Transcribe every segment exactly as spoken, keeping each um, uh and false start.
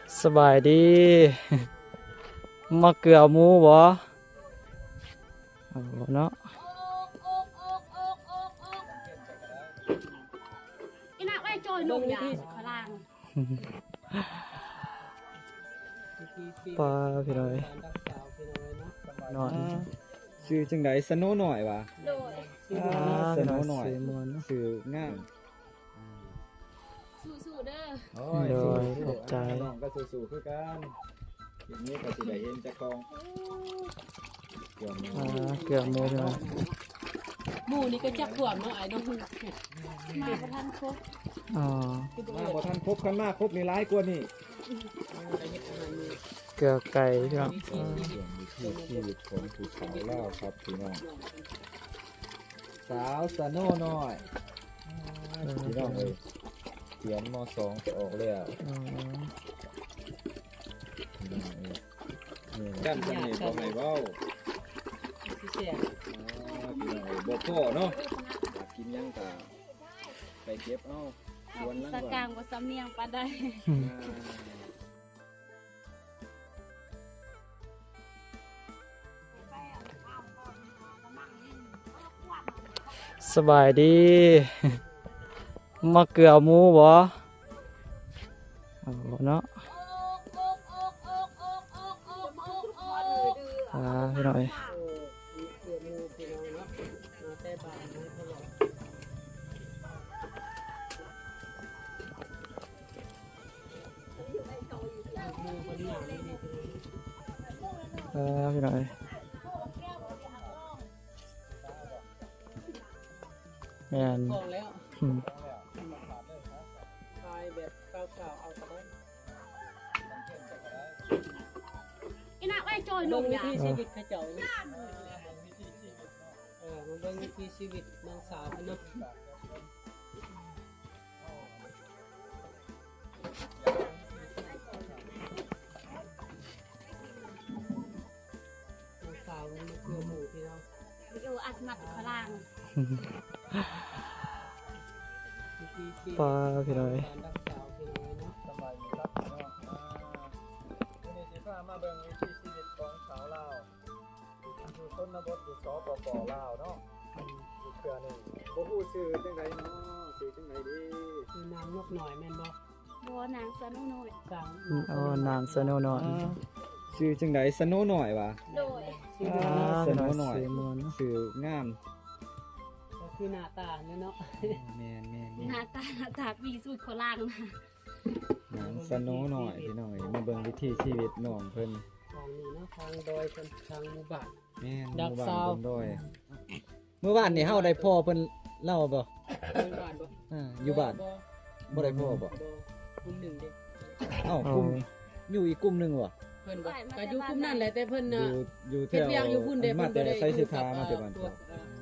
สบายดี มาเกลือหมูบ่เอาเนาะอีน่าไว้จอยลงยาขลางปลาพี่น้อยน้อยชื่อจังไดสโนหน่อยวะโดยอ่าสโนหน่อยสีมวนเนาะชื่องามสู้ๆเด้อโอ้โดยสู้ๆขอบใจน้องก็สู้ๆคือกันทีนี้ก็สิได้เห็นเจ้าของเกี่ยวมืออ่าเกลือหมูพี่น้อยหมู่นี่ก็จักขวบเนาะไอ้น้องมาประทันครบอ๋อมาบ่ทันครบคันมาครบนี่หลายกว่านี่เกลือไก่พี่น้องเรื่องวิถีชีวิตของผู้สาวลาวครับพี่น้องสาวสโนหน่อยพี่น้องเอ้ยเขียนม สองจะออกแล้วอ๋อพี่น้องเอ้ยนี่กันสนิทบ่ให้เว้าสิเสียอ๋อพี่น้องเอ้ยบ่พอเนาะอยากกินหยังก็ไปเก็บเอาสวนหลังสบ้านกางบ่สำเนียงปานใดสบายดี มาเกลือหมูบ่เอาเนาะอ่าพี่น้อยเออมีเพื่อนหมู่พี่น้องเนาะมาแต่บ้านมาตลอดอ่าพี่น้อยแม่นพอแล้วอืมทายแบบเก่าๆเอาก็ได้อีน่าไว้จอยลเบิ่งงวิยาถีชีวิตเขาเจ้าเนาะเออมาเบิ่งวิถีชีวิตน้องสาวเพิ่นเนาะน้องสาวมันมาเกลือหมู่พี่น้องอยู่อัสมัดขลางวิถีชีวิตปลาพี่น้อยการรักษาพี่น้องเนาะสบายดีครับพี่น้องอ่าวันนี้สิพามาเบิ่งวิถีชีวิตของสาวลาวอยู่ชนบทอยู่สปปลาวเนาะอยู่เครือหนึงบ่ฮู้ชื่อจังไดเนาะชื่อจังไดดีคือนางนกหน่อยแม่นบ่บ่นางสนุน้อยสร้างอ๋อนางสโนว์น้อยชื่อจังไดสโนหน่อยวะโดยชีวิตอ่าเนาะสโนหน่อยสีมวนเนาะชื่องามก็คือหน้าตาเนี่ยเนาะแม่นแม่นหน้าตาหน้าตาปีสุดขลางนะนางสโนหน่อยพี่น้องมาเบิ่งวิถีชีวิตน้องเพิ่นทางนี้เนาะทางดอยเป็นทางหมู่บ้านแม่นหดักมู่บ้านซาวเพิ่นด้วยเมื่อวานนี่เฮาได้พ่อเพิ่นเล่าบ่หมู่บ้านบ่อ่าอยู่บ้านบ่ได้พ่อบ่กลุ่มหนึ่งเด้เอ้ากลุ่มอยู่อีกกลุ่มหนึงบ่เพิ่นบ่ก็อยู่กลุ่มนั้นแหละแต่เพิ่นอน่ะยู่อยู่แถเฮ็ดวเวียงอยู่พุ่นเด้มาเพิ่นแต่บ่ได้ไสสิทาอยู่มากับแต่บ้านตัวเจ้า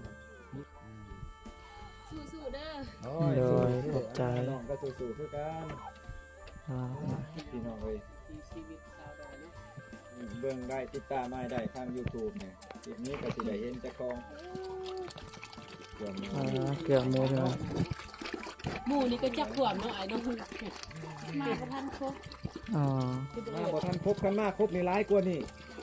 สู้ๆเด้อโอ้โดยสู้ๆขอบใจน้องก็สู้ๆคือกันอ่าพี่น้องเอ้ยที่ชีวิตชาวดอยเนาะเบิ่งได้ติดตามมาได้ทาง YouTube เนี่ยคลิปนี้ก็สิได้เห็นเจ้าของเกี่ยวมืออ่าเกลือหมูพี่น้อยหมู่นี่ก็จักขวบเนาะไอ้น้องมาประทันครบอ๋อมาบ่ทันครบคันมาครบนี่หลายกว่านี่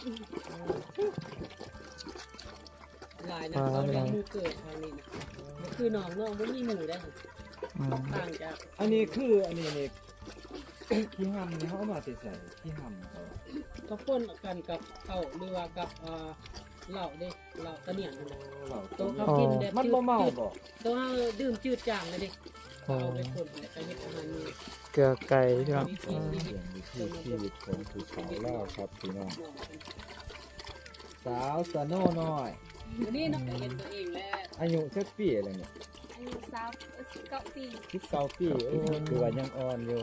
หลายนะเขาเรียกหมู่เกิดทางนี้นะก็คือน้องน้องบ่มีหมู่ได้อืมต่างจากอันนี้คืออันนี้นี่ ขี้หำนี่เขาเอามาติใส่ขี้หำเขาก็ปนกันกับข้าวหรือว่ากับอ่าเหล้าเด้เหล้าตะเนียงนั่นน่ะเราตัวเขากินแบบมันบ่เมาบ่ตัวเฮาดื่มจืดจางเลยเด้เอาไปคนแล้วก็เฮ็ดอาหารนี่เกลือไก่พี่น้องวิถีอ่าชีวิตเรื่องวิถีชีวิตของผู้สาวลาวครับพี่น้องสาวสโนน้อยวันนี้น้องก็เห็นตัวเองแล้วอายุสักปีอะไรเนี่ยอายุสาวสิบเก้าปีสิบเก้าปีโอ้คือว่ายังอ่อนอยู่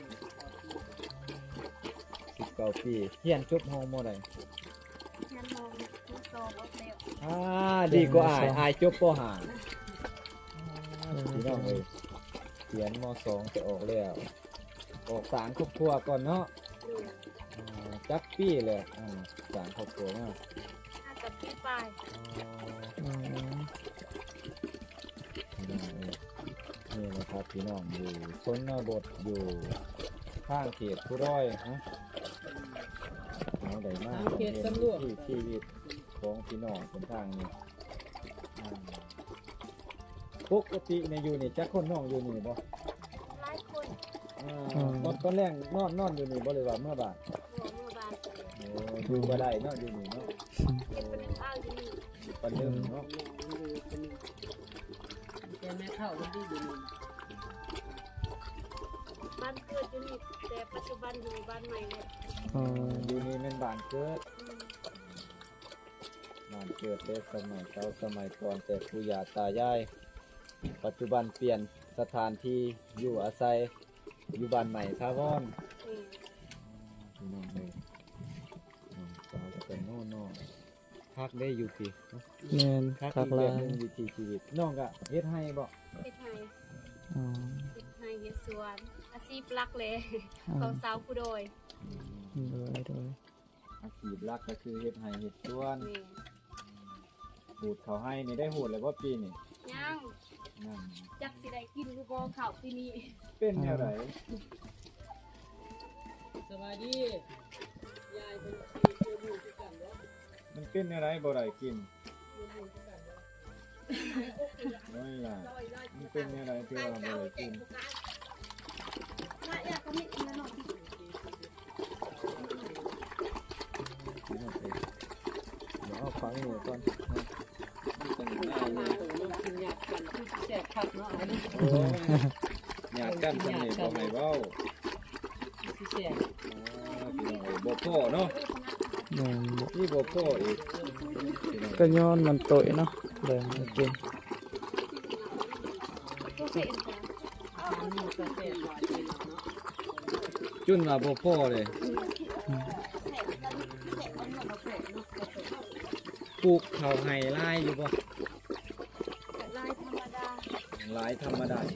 สิบเก้าปีเรียนจบห้องมอใดงานมองผู้โซบ่เร็วอ่าดีกว่าอายอายจบปห้าพี่น้องเอ้ยเขียนมสองจะออกแล้วออกสารครอบครัวก่อนเนาะอ่าจักปีเลยอ่าสารครอบครัวมาห้ากับปีปลายอืมพี่น้องเอ้ยนี่นะครับพี่น้องอยู่ชนบทอยู่ข้างเขตผู้ร้อยฮะเอาได้มากทางเขตตำรวจที่ชีวิตของพี่น้องคนทางนี้อ่าปกติในยอยู่นี่จักคนน้องอยู่นี่บ่หลายคนอ่าตอนตอนแรกนอนนอนอยู่นี่บ่เลยว่าเมื่อบาดหัวเมื่อบานโอ้อยู่บ่ได้เนาะอยู่นี่เนาะเก็บเป็นข้าวอยู่นี่ปันนึงเนาะแกแม่เข้ามันดีอยู่นี่บ้านเกิดอยู่นี่แต่ปัจจุบันอยู่บ้านใหม่เลยอ๋ออยู่นี่แม่นบ้านเกิดอืมบ้านเกิดแต่สมัยเก่าสมัยก่อนแต่ปู่ย่าตายายปัจจุบันเปลี่ยนสถานที่อยู่อาศัยอยู่บ้านใหม่ทาวอนอืมพี่น้องเลยน้องสาวจะเป็นโน่นองพักได้อยู่พี่เนาะแม่นพักคัอีกกหแบลาบยหนึงวิถีชีวิตน้องก็เฮ็ดให้บ่เฮ็ดไห้อ๋อเฮ็ดไห้เฮ็ดสวนอาชีพหลักเลยอ๋ขอองสาวผู้โดยโดยโดยอาชีพหลักก็คือเฮ็ดให้เฮ็ดสวนแม่หูดเขาให้นี่ได้หูดเลยว่าปีนี่ยังนั่นจักสิได้กินหรือบ่ข้าวปีนี้เป็นแนวไหนสวัสดียายเป็นที่เจอหมู่ที่กันเนาะมันเป็นแนวไหนบ่ได้กินเจอหมู่ที่กันเนาะน้อยล่ะมันเป็นแนวไหนที่ว่าบ่ได้กินมาอยากก็มีอีกหน่อยที่กินเอาไปเดี๋ยวเอาฟังหนูก่อนนะมันเป็นหน้ามานี่ตัวกินยากกันคือแซ่บคักเนาะอันนี้โอ้ยอยากกันสำนี่บ่ให้เว้าสิแซ่บอ่าพี่น้องเอ้ยบ่พอเนาะแม่นบ่นี่บ่พออีกพี่น้องก็ย้อนมันโตยเนาะแบ่งให้กินตัวเสียนจ้ะอันนี้ก็แซ่บหวานดีเนาะจุนว่าบ่พอเลยปลูกข้าวไห้ลายอยู่บ่ลายธรรมดาหลายธรรมดา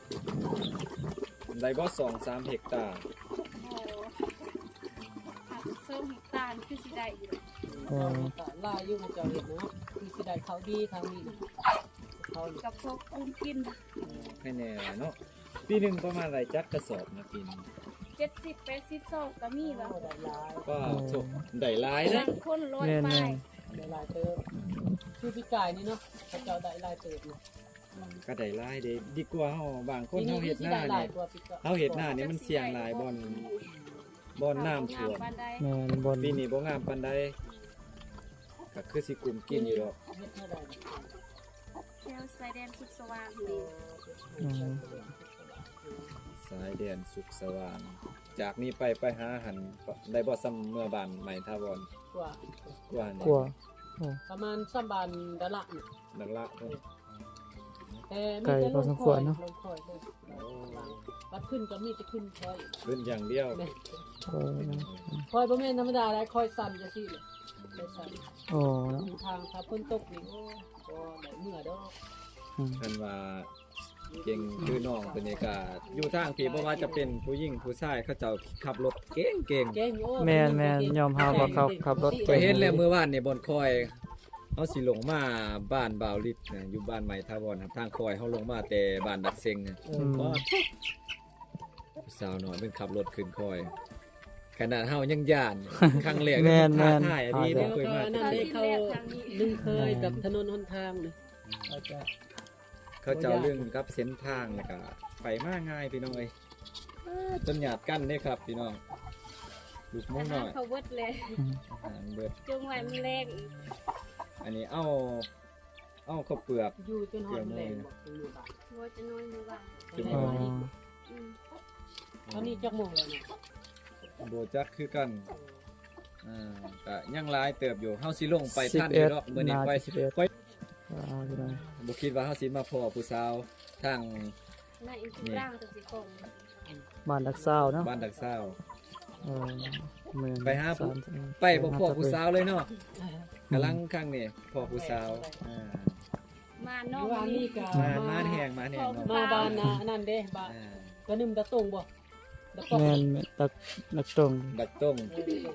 ได้บ่สองสามเฮกตาร์โอ้ผักส้มตาลคือสิได้อยู่อ๋อก็ลายอยู่มันจะเห็นเนาะคือสิได้เขาดีทางนี้เขานี่กับพวกอุ้มกินให้แน่เนาะปีหนึงประมาณไรจักกระสอบนะปีหนึงเจ็ดสิบแปดสิบซอกก็มีแล้วได้ลายก็ถูกได้หลายนะบางคนร้อยแม่นไปแม่นได้ลายเติมคือพี่กายนี่เนาะเขาเจ้าได้ลายเติมเนาะก็ได้หลายเด้ดีกว่าเฮาบางคนปีเฮาเฮ็ดหน้าได้ลาเนี่ย ยกว่าปีก่อนเฮาเฮ็ดหน้านี่มันเสี่ยงหลายบ่อนบ่อนน้ำท่วมบ้านใดแม่นบนปีนี้บ่งามปานใดก็คือสิกลุ่มกินอยู่ดอกเฮ็ดเท่าใดแถวสายแดนสุขสว่างนี่อืมสายแดนสุขสว่าง จากนี้ไปไปหาอาหันได้บ่ซ้ำเมื่อบ้านใหม่ทาวรกว่ากว่านี่กลัวโอ้ประมาณสามบานดะละนี่นักละเพิ่นแต่ไกลพอสมควรเนาะลงคอยเลยวัดขึ้นก็มีจะขึ้นคอยขึ้นอย่างเดียวแม่โอ้เนาะคอยบ่แม่นธรรมดาได้คอยสั่นจังซี่เลยคอยสั่นโอ้เนาะทางถ้าฝนตกนี่โอ้บ่ได้เมื่อดอกอืมเพิ่นว่าเก่งคือน้องเพิ่นนี่ก็อยู่ทางที่บ่ว่าจะเป็นผู้หญิงผู้ชายเขาเจ้าขับรถเก่งเก่งเก่งโอ้แม่นแม่นยอมรับว่าเขาขับรถไปเก่งเห็นแล้วเมื่อวานนี่บอนคอยเฮาสิลงมาบ้านบ่าวลิศนะอยู่บ้านใหม่ทาวรครับทางคอยเฮาลงมาแต่บ้านดักเซ็งนะอืมก็สาวน้อยเป็นขับรถขึ้นคอย ขนาดเฮายังย่านครั้งแรกแม่นแม่นท้ายอันนี้แม่บ่แล้วเคยก็มานั่นได้เขาลึงเคยกับถนนหนทางนี่เขาจะเขาเจ้าเรื่องกับเส้นทางแล้วก็ไปมาง่ายพี่น้องเอ้ยจนหยาดกันเด้ครับพี่น้องลูกหมูอาน้หาอรยเขาเบิดเลยอาหารเบิดจงไว้มันแรงอีกอันนี้เอาเอาข้าวเปลือกอยู่จนหอดแหลงบอกตรงนี้บ่าหัวจะน้อยมือว่างจุ่มอ๋ออืมตอนนี้จักโมงแล้วนะโบจักคือกัน อ่าก็ยังหลายเติบอยู่เฮาสิลงไปสิบทันอเอ็ยู่ดดอกมื้อนี้นาค่อยสิบเอ็ดค่อยอ่าพี่น้องบ่คิดว่าเฮาสิมาพ้อผู้สาวทางในอินทร่างตัวสิกงบ้านดักซาวเนาะบ้านดักซาวเออเมืองไปหาผู้สมสิบไปบ่พ้อผู้สาวเลยเนาะกำลังข้างนี่พ้อผู้สาวอ่ามาน้อองยู่ว่านี่ก็มามาแหงมาแหงเนาะมาบ้านนะนั่นเด้บ้านอ่ากระนึมตะตรงบ่ตะปอกแม่นแม่นตักนักตรงดักต้งเออ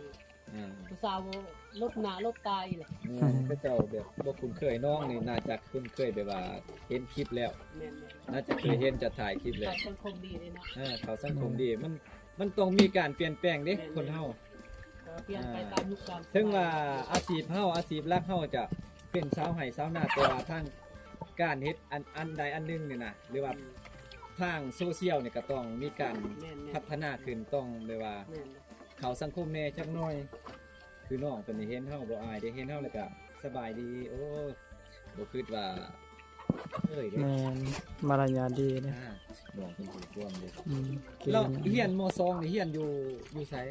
อ่าผู้สาวลบหน้าลบตาอีแหละแม่นเขาเจ้าแบบบ่คุ้นเคยน้องนี่น่าจะคุ้นเคยแบบว่าเห็นคลิปแล้วแม่นน่าจะเคยเห็นจะถ่ายคลิปๆแล้วเขาสังคมดีเลยเนาะอ่าเขาสังคมดีมันมันต้องมีการเปลี่ยนแปลงเด้คนเฮาก็เปลี่ยนไปตามยุคตามสมัยถึงว่าอาชีพเฮาอาชีพหลักเฮาจะเป็นสาวไห้สาวนาแต่ว่าทางการเฮ็ดอันอันใดอันหนึงนี่นะหรือว่าทางโซเชียลนี่ก็ต้องมีการแม่นๆพัฒนาขึ้นต้องแบบว่าแม่นเขาสังคมแน่จักหน่อย คือน้องเพิ่นนี่เห็นเฮาบ่อายได้เห็นเฮาแล้วก็สบายดี โอ้บ่คิดว่าเอ้ยเด้แม่นมารยาทดีนะอ่าน้องเพิ่นถูกร่วมเด้อืมเก่งแล้วเฮียนมสองนี่เฮียนอยู่อยู่ไส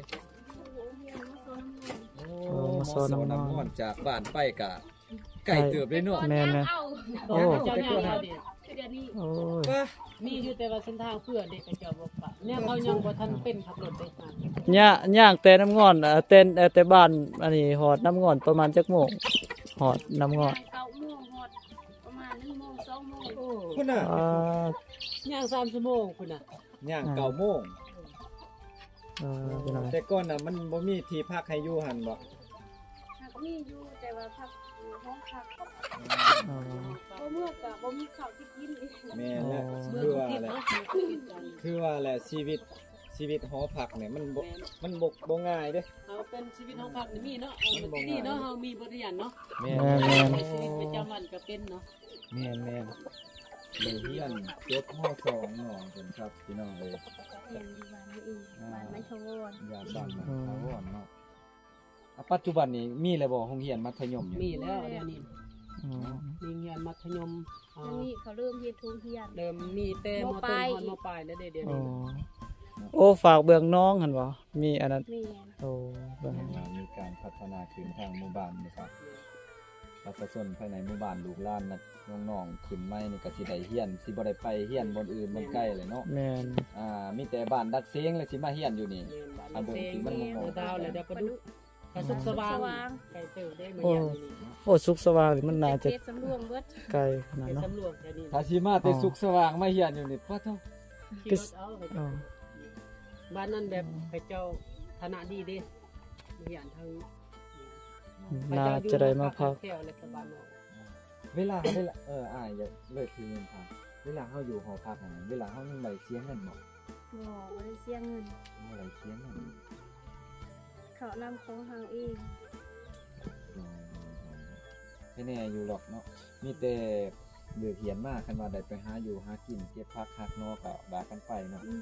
โอ้โอ้มมาสสอนน้ำน้ำมมออน นจากบ้านไปกะไก่เติบเลยเนาะแม่นๆเอาโอ้เจ้าย่างเอาเด็กคือเดี๋ยวนี้โอ้ยว่ามีอยู่แต่ว่าเส้นทางเพื่อเด็กกับเจ้าบ่ปะเนี่ยเขายังบ่ทันเป็นขับรถได้ค่ะย่าย่างแต่น้ำงอนเอ่อเต้นเอ่อแต่บ้านอันนี้หอดน้ำงอนประมาณจักโมงหอดน้ำงอนเก้าโมงหมดประมาณหนึ่งโมงสองโมงโอ้พุ่นน่ะอ่าย่างสามชั่วโมงพุ่นน่ะย่างเก้าโมงเออเป็นไรแต่ก่อนน่ะมันบ่มีที่พักให้อยู่หั่นบ่หากมีอยู่แต่ว่าพักอยู่ห้องพักอ๋อบ่เมื่อกับบ่มีข้าวสิกินอีกแม่นแหละเมื่อคือทุกว่าที่แหละเนาะเมื่อทุกที่กันคือว่าแหละชีวิตชีวิตหอพักเนี่ยมันบ่แม่นมันบ่บ่ง่ายเด้เอาเป็นชีวิตของพักนี่มีเนาะเอามันดีเนาะเฮามีบทเรียนเนาะแม่แม่นแม่นในชีวิตประจำวันก็เป็นเนาะแม่นแม่นเลยเฮียนจบมสองน้องเพิ่นครับพี่น้องเอ้ยเรียนอยู่บ้านนี่เองบ้านไม่ทวอนยาบ้านมันทาวอนเนาะอ่ะปัจจุบันนี้มีแล้วบ่โรงเรียนมัธยมอยู่มีแล้วเดี๋ยวนี้อืมมีเรียนมัธยมอ่าอันนี้เขาเริ่มเฮ็ดทุงเฮียนเริ่มมีแต่มมต้ปลายนฮอดมปลายแล้วเดี๋ยวเดี๋ยวอ๋อนี้โอ้ฝากเบื้องน้องหั่นบ่มีอันนั้นแม่นโอ้เบื้องอ่ามีการพัฒนาขึ้นทางหมู่บ้านนะครับประชาชนภายในหมู่บ้านลูกหลานนะน้องๆขึ้นใหม่นี่ก็สิได้เฮียนสิบ่ได้ไปเฮียนบนอื่นบนใกล้เลยเนาะแม่นอ่ามีแต่บ้านดักเซ้งเลยสิมาเฮียนอยู่นี่เรียนบ้านอันเบิ่งเซงที่มันบ่เหมาะดาวแล้วเดี๋ยวประดุกกระสุกสว่างไก่เติบได้มาอย่างนี้โอ้สุขสว่างนี่มันน่าจะเฮ็ดสำรวมเบิดไกลขนาดไปเนาะสำรวจแค่นี้ถ้าสิมาแต่สุขสว่างมาเฮียนอยู่นี่ปะเท่าขี่รถเอาไปอ๋อบ้านนั้นแบบไปเจ้าฐานะดีเด้มีอย่างทางน่าจะได้มาพักแถวเลยกับบ้านนอกเวลาเวลาเอออ่าอย่าเลิกทีนึงครับเวลาเฮาอยู่หอพักนั่นเวลาเฮายังได้เสียเงินบ่บ่บ่ได้เสียเงินบ่ได้เสียเงินเขานำของเฮาเองอืมให้แน่อยู่หรอกเนาะมีแต่เลือกเขียนมาคันว่าได้ไปหาอยู่หากินเก็บผักหักนอกก็ว่ากันไปเนาะอืม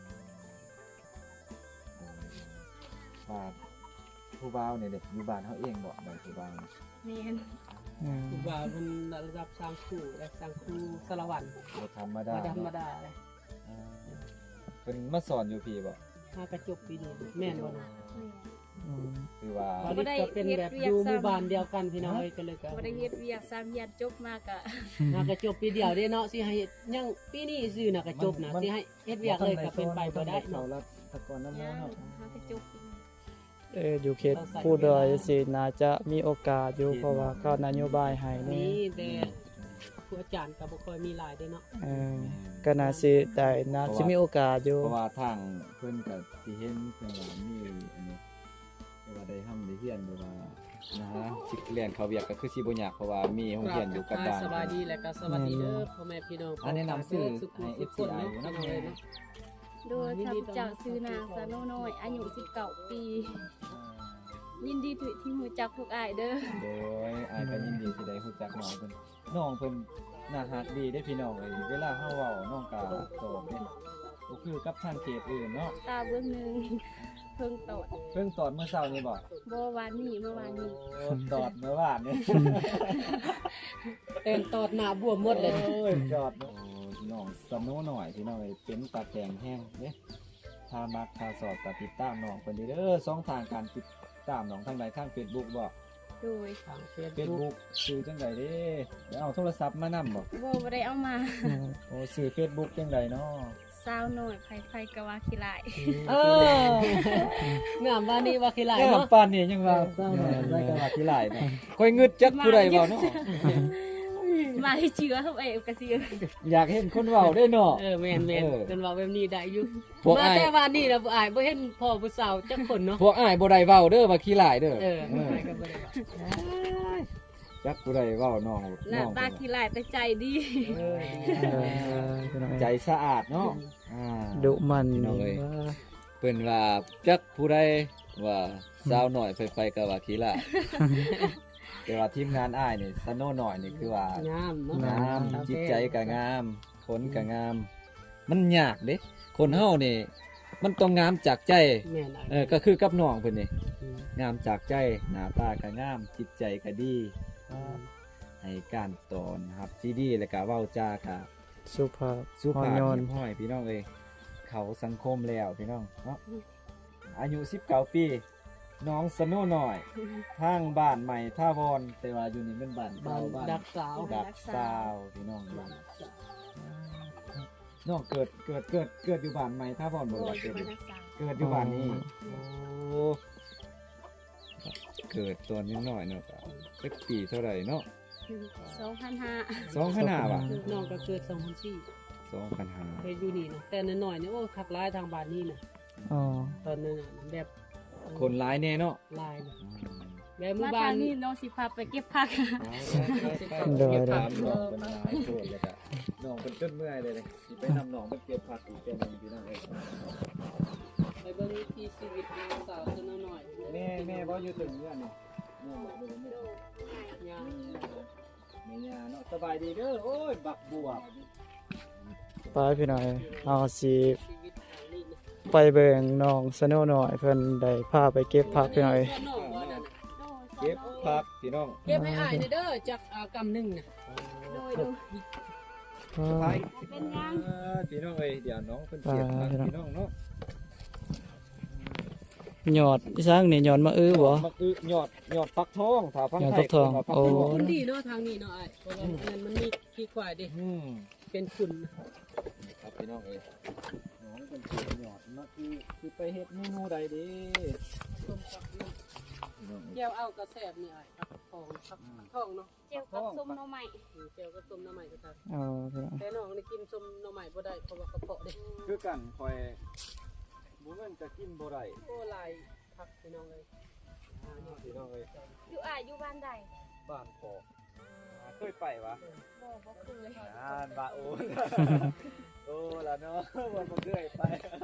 ว่าผู้บ่าวเนี่ยเด็กอยู่บ้านเขาเองบอกได้ผู้บ่าวเนี่ยแม่นอืมคือว่ามันระดับสร้างครูและสร้างครูสารวัตรบ่ธรรมดามาธรรมเนาะดาเลยอ่าเป็นมาสอนอยู่พี่บ่มากระจบปีนี้แม่นบ่นะแม่นอืมคือว่าตอนนี้ก็เป็นแบบอยู่หมู่บ้านเดียวกันพี่น้องเอ้ยก็เลยก็บ่ได้เฮ็ดเวียกสามเฮียนจบมากะมากระจบปีเดียวเด้เนาะสิให้เฮ็ดยังปีนี้ซื่อน่ะกระจบนะสิให้เฮ็ดเวียกเลยก็เป็นไปบ่ได้เขาเนาะรับตะกอนน้ำมย่านเนาะเฮาก็จบอีกเอออยู่เขตผู้ดอยสิน่าจะมีโอกาสอยู่เพราะว่าเขานโยบายให้นี่นี่แต่ครูอาจารย์ก็บ่ค่อยมีหลายเด้เนาะเออก็น่าสิได้น่าสิมีโอกาสอยู่เพราะว่าทางเพิ่นก็สิเห็นเพิ่นว่ามีอันนี้แต่ว่าได้ทำได้เรียนหรือว่านะฮะสิเรียนเขาเวียกก็คือสิบ่ยากเพราะว่ามีโรงเรียนอยู่กับบ้านสบายดีและก็สวัสดีเด้อพ่อแม่พี่น้องอันแนะนำชื่อสุขุมให้สุขคนเนาะเอฟซีพี่น้องเอ้ยเนาะโดยข้าพเจ้าชื่อนางสาโนน้อยอายุสิบเก้าปี ยินดีที่ที่รู้จักพวกอ้ายเด้อโดยอายก็ยินดีที่ได้รู้จักน้องเพิ่นน้องเพิ่นน่ารักดีได้อพี่น้องเอ้ยเวลาเฮาเว้าน้องก็ตอบเด้บ่คือกับทางเขตอื่นเนาะตาเบื้องหนึงเพิ่งตอดเพิ่งตอดเมื่อเช้านี้บ่บ่วานนี้เมื่อวานนี้โอ้ตอดเมื่อวานนี่เต้นตอดหน้าบวมหมดเลยโอ้ยจอดเนอะโอ้ยน้องสนุหน่อยพี่น้องเอ้ยเป็นตาแดงแห้งเด้ถ้ามักถ้าสอบก็ติดตามน้องเพิ่นเด้อเด้อสองทางการติดตามน้องทางใดทาง Facebook บ่โดยทางเฟซบุ๊ก Facebook ชื่อจังไดเด้เดี๋ยวเอาโทรศัพท์มานำบ่บ่บ่ได้เอามาอืมโอ้ชื่อ Facebook จังไดเนาะสาวน้อยไผๆก็ว่าขี้ลายเอองามว่านี่ว่าขี้หลายงามเนาะปานนี้ยังว่าเศร้าหน่อยได้ก็ว่าที่หลายเนาะค่อยงึดจักผู้ใดเว้าเนาะมาให้เชื้อเฮาเองก็สิอยากเห็นคนเว้าได้เนาะเออแม่นแม่นเออจนว่าแบบนี้ได้อยู่พวกมาอ้ายแต่ว่านี่ล่ะบ่อายบ่เห็นพ่อผู้สาวจักคนเนาะพวกอ้ายบ่ได้เว้าเด้อว่าขี้หลายเด้อเออเอออายก็บ่ได้ว่าจักผู้ใดเว้าน้องหน้าน้องตาขี้ลายแต่ใจดีเออเออพี่น้องใจเอ้ยสะอาดเนาะอ่าดุมันพี่น้องเอ้ยว่าเพิ่นว่าจักผู้ใดว่าสาวหน่อยไปไปก็ว่าขี้หลาย แต่ว่าทีมงานอ้ายนี่สโนหน่อยนี่คือว่างามเนาะงามจิตใจก็งามผลก็งาม มันยากเด้คนเฮานี่ มันต้องงามจากใจแม่นอ้ายเออก็คือกับน้องเพิ่นนี่อืมงามจากใจหน้าตาก็งามจิตใจก็ดีให้การตอนครับที่ดีแล้วก็เว้าจาก็สุภาพสุภาพอ่อนโยนเรียบร้อยพี่น้องเอ้ยเขาสังคมแล้วพี่น้องเนาะอายุสิบเก้าปีน้องสโนหน่อยทางบ้านใหม่ท่าวอนแต่ว่าอยู่นี่เป็นบ้านบ้าเก่าน บ้านดักสาวดักซาวพี่น้องอยู่น้องเกิดเกิดเกิดเกิดอยู่บ้านใหม่ท่าวอนบ่โดได้ยเกิดบรอยู่รณสารเกิดอยู่บ้านนี้โอ้เกิดตัวนิดหน่อยเนาะก็สักปีเท่าไหร่เนาะสองพันห้าสองพันห้าว่ะน้องก็เกิดสองพันสี่สองพันห้าเคยอยู่นี่นะแต่น้อยๆนี่โอ้คักร้ายทางบ้านนี่นะอ๋อตอนนั้นน่ะแบบคนร้ายแน่เนาะลายนะแบบหมู่มาบ้าทาน งนี้น้องสิพาไปเก็บผักเดี๋ยวถามน้องเป็นร้ายโทษเลยก็น้องเป็นจนเมื่อยเลยเลยสิไปนำน้องไปเก็บผักอีกแค่นึงพี่น้องเอ้ยไปเบิ่งวิถีชีวิตน้องสาวซะหน่อยแม่แม่บ่อยู่ถึงเมื่อนี่แม่บอกเลยแม่ยามแม่ย่าเนาะสบายดีเด้อโอ้ยบักบวบไปพี่น้องเอ้ยเอาสิชีวิตทางนี้นะไปเบิ่งน้องสโนหน่อยเพิ่นได้พาไปเก็บผักพี่น้องเอ้ยน้องบ่นั่นน่ะเก็บผักพี่น้องเก็บให้อ้ายหน่อยเด้อจักอ่ากำหนึงน่ะโดยโดยไปเป็นยังเออพี่น้องเอ้ยเดี๋ยวน้องเพิ่นเก็บผักพี่น้องเนาะหยอดอีสังนี่หยอดมะอื้อบ่มักอึหยอดหยอดฟักทองถ้าฟังหยอดไทฟัยกทองเพิ่นว่าฟักโอ้ทองมันดีเนาะทางนี้เนาะอ้ายเพราะว่าอันนั้นมันมีขี้ควายเด้อืมเป็นขุ่นครับพี่น้องเอ้ยน้องเป็นคนหยอดมักอึสิไปเฮ็ดเมนูใดเดีต้มกับน้พี่น้องำเอ้ยแก้วเอากระแสบนี่อ้ายผักทองผักทองเนาะเจียวกับส้มหน่อไม้อืมแก้วก็ต้มน้ำใหม่ก็ได้เอาพี่น้องแต่น้องนี่กินส้มน้ำใหม่บ่ได้เพราะว่ากระเพาะเด้คือกันคอยบ่แม่นจะกินบ่ได้โอ้ลายผักพี่น้องเลยพี่น้องเอ้ยอยู่อ่าอยู่บ้านใดบ้านปอกเคยไปวะบ่บ่เคยอ่านบาโอ โอ้ละเนาะวันมันเรื่อยไป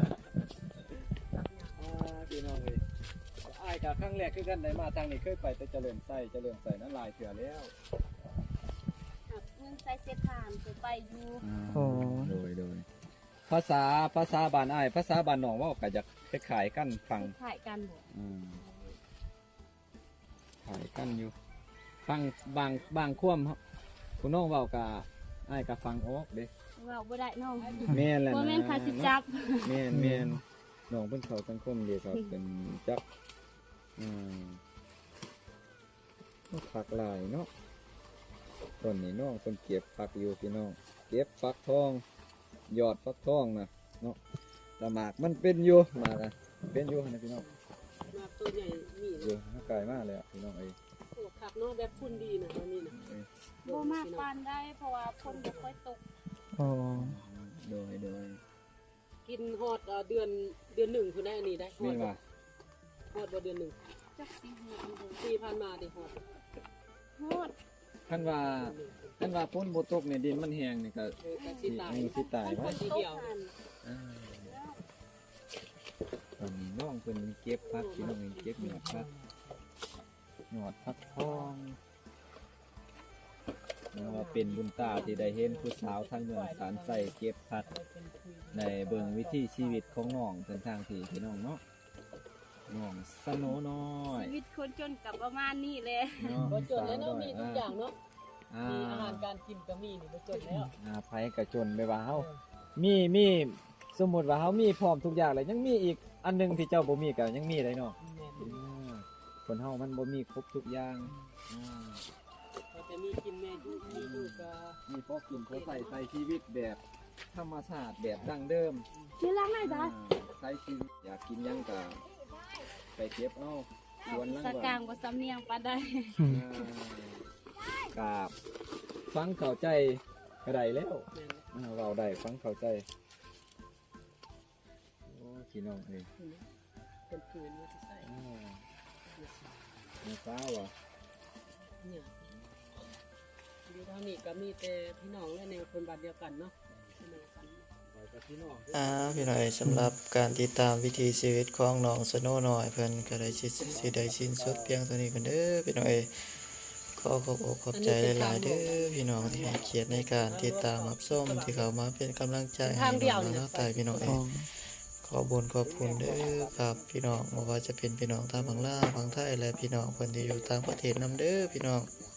อ่าพี่น้องเอ้ยอ้ายกับครั้งแรกคือกันได้มาทางนี้เคยไปแต่เจริญไส้เจริญไส้นั้นหลายเถื่อแล้วหักเงินใส่เศษทานเคยไปอยู่โอ้โดยโดยภาษาภาษาบ้านอ้ายภาษาบ้านน้องเว่าก็จะคล้ายๆกันฟังถ่ายกันบ่อืมขายกันอยู่ ฟังบางบางความครับคุณน้องเว้ากับอ้ายก็ฟังออกเด้เว้าบ่ได้น้องแม่นแหละบ่นะแม่นค่าสิจับแม่นแม่นน้องเพิ่นเข้าสังคมเดียวกับเป็นจักอืมผักหลายเนาะต้นนี้น้องเพิ่นเก็บผักอยู่พี่น้องเก็บฟักทองยอดฟักทองนะเนาะแต่หมากมันเป็นอยู่หมากอะเป็นอยู่นะพี่น้องมาตัวใหญ่มีเยอะน่าไกลมากเลยอ่ะพี่น้องเอ้ยโอ้ผักเนาะแบบพุ่นดีนะตอนนี้นะเอ้ยบ่มากปานได้เพราะว่าฝนบ่ค่อยตกโอ้โดยโดยกินฮอดเอ่อเดือนเดือนหนึ่งคุณได้อันนี้ได้ฮอนี่ดว่าฮอดบ่เดือนหนึ่งจักสิฮู้อยู่ปีผ่านมาดิฮอดโฮดท่านว่าท่านว่าพ้นโบตกเนี่ยดินมันแห้งนี่ก็เออก็สิสิตายมีสิตายมันไว้ฝนตกหั่นอ่าตอนนี้น้องเพิ่นเก็บพักพี่น้องเองเก็บหยอดพักหยอดพักทองนี่ว่าเป็นบุญตาที่ได้เห็นผู้สาวทางเมืองสารใส่เก็บพักในเบิ่งวิถีชีวิตของน้องเส้นทางที่พี่น้องเนาะน้องสโนน้อยชีวิตคนจนกับประมาณนี้แหละเนาะบ่จนแล้วเนาะมีทุกอย่างเนาะอ่ามีอาหารการกินก็มีนี่บ่จนแล้วอ่าไผกระจนไปว่าเฮามีมีสมมุติว่าเฮามีพร้อมทุกอย่างเลยยังมีอีกอันหนึงที่เจ้าบ่มีก็ยังมีเลยเนาะแม่นอ่าคนเฮามันบ่มีครบทุกอย่างอ่าก็จะมีกินแม่อยู่มีอยู่ก็มีพอกินพอใส่ใส่ชีวิตแบบธรรมชาติแบบดั้งเดิมมีล้างไหนอ่าบ้าใช้ชีวิตอยากกินหยังก็ไปเก็บเอาสวนหลังสบ้านกลางบ่สำเนียงปานใดอ่ากาบฟังเข้าใจก็ได้แล้วแม่นอ่าเว้าได้ฟังเข้าใจโอ้พี่น้องเอ้ยเป็นปืนว่าสิใส่อ่ามีฟ้าวอ่ะเนี่ยอยู่ทางนี้ก็มีแต่พี่น้องและในคนบ้านเดียวกันเนาะพี่น้องกันไปกับพี่น้องอ่าพี่น้อยสำหรับการติดตามวิถีชีวิตของน้องสโนน้อยเพิ่นก็ได้สิสิได้สิ้นสุดเพียงเท่านี้กันเด้อพี่น้อยขอขอบอกขอบใจหลายๆเด้อพี่น้องที่ให้เกียรติในการติดตามรับชมที่เข้ามาเป็นกำลังใจให้น้องน้าตายพี่น้องเองขอบุญขอบคุณเด้อครับพี่น้องบ่ว่าจะเป็นพี่น้องทางฝั่งลาวฝั่งไทยและพี่น้องคนที่อยู่ต่างประเทศนํเด้อพี่น้อง